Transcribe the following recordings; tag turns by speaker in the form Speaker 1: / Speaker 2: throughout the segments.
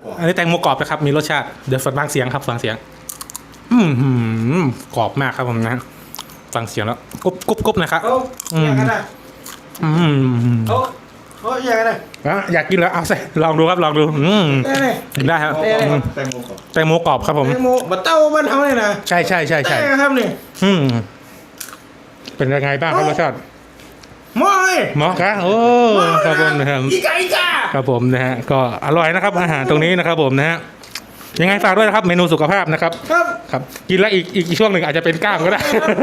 Speaker 1: อันนี้แตงโมกรอบนะครับมีรสชาติเดี๋ยวฟังเสียงครับฟังเสียงกรอบมากครับผมนะฟังเสียงแล้วกรุบนะครับ
Speaker 2: อยากกันนะอยากกันนะ
Speaker 1: อยากกินแล้วเอาใส่ลองดูครับลองดูได้ครับแตงโมกรอบครับผม
Speaker 2: แตงโมบัตเต้าบ้านเขาเลยนะ
Speaker 1: ใช่
Speaker 2: ครับนี่
Speaker 1: เป็นยังไงบ้างครับรสชาติหมอครับโอ้ครับผมนะครับ
Speaker 2: อีกา
Speaker 1: ครับผมนะฮะก็อร่อยนะครับอาหารตรงนี้นะครับผมนะฮะยังไงฝากด้วยนะครับเมนูสุขภาพนะครับครับกินแล้วอีกช่วงหนึ่งอาจจะเป็นกล้ามก็ได้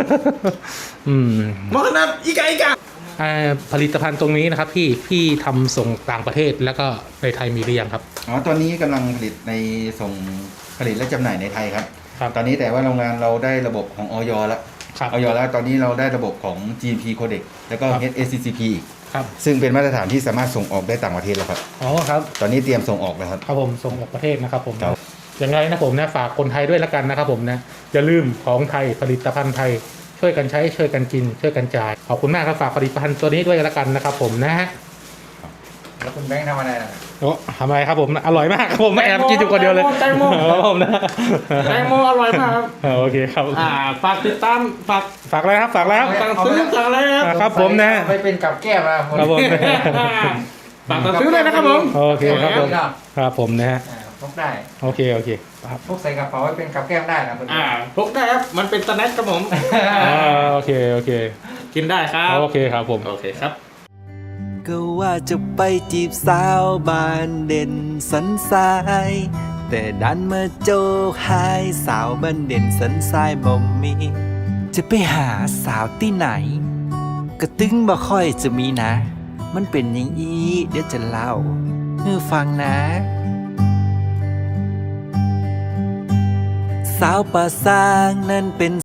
Speaker 2: หมอขนาดอีกา
Speaker 1: ผลิตภัณฑ์ตรงนี้นะครับพี่ทำส่งต่างประเทศแล้วก็ในไทยมีหรือยังครับ
Speaker 3: ตอนนี้กำลังผลิตผลิตและจำหน่ายในไทยครับตอนนี้แต่ว่าโรงงานเราได้ระบบของออยแล้วตอนนี้เราได้ระบบของ GMP Codex แล้วก็ HACCP อีกซึ่งเป็นมาตรฐานที่สามารถส่งออกได้ต่างประเทศแล้วครับ
Speaker 1: ครับ
Speaker 3: ตอนนี้เตรียมส่งออกแล้วครับ
Speaker 1: ผมส่งออกประเทศนะครับผมอย่างไรนะผมนะฝากคนไทยด้วยละกันนะครับผมนะอย่าลืมของไทยผลิตภัณฑ์ไทยช่วยกันใช้ช่วยกันกินช่วยกันจ่ายขอบคุณมากครับฝากผลิตภัณฑ์ตัวนี้ด้วยละกันนะครับผมนะฮะ
Speaker 3: แล้วคุณแบงค์ทำอะไรนะ
Speaker 1: ทำอะไรครับผมอร่อยมากครับผมแอบกินอยู่คนเดียวเลย
Speaker 2: แตงโม
Speaker 1: ผมนะ
Speaker 2: แตงโมอร่อยมากครับ
Speaker 1: โอเคครับ
Speaker 2: ฝากติดตามฝาก
Speaker 1: อะไรครับฝากแล้ว
Speaker 2: สั่งซื้อสั่งอะไร
Speaker 1: ครับผมนะ
Speaker 3: ไปเป็นกับแก้ม
Speaker 1: ครับผม
Speaker 2: ฝากซื้อเลยนะครับผม
Speaker 1: โอเคครับผมครับผมนะฮะ
Speaker 3: พกได้
Speaker 1: โอเค
Speaker 3: พกใส่กระเป๋าไว้เป็นกับแก้มได้นะคุณ
Speaker 2: พกได้ครับมันเป็นสแน็คครับผม
Speaker 1: โอเค
Speaker 2: กินได้ครับ
Speaker 1: โอเคครับผม
Speaker 2: โอเคครับ
Speaker 4: ก็ว่าจะไปจีบสาวบ้านเด่นสันทรายแต่ดันมาโจกหายสาวบ้านเด่นสันทรายบ่มีจะไปหาสาวที่ไหนกระตึงบ่ค่อยจะมีนะ มันเป็นอย่างนี้เดี๋ยวจะเล่าให้ฟังนะสาวป่าซางนั่นเป็น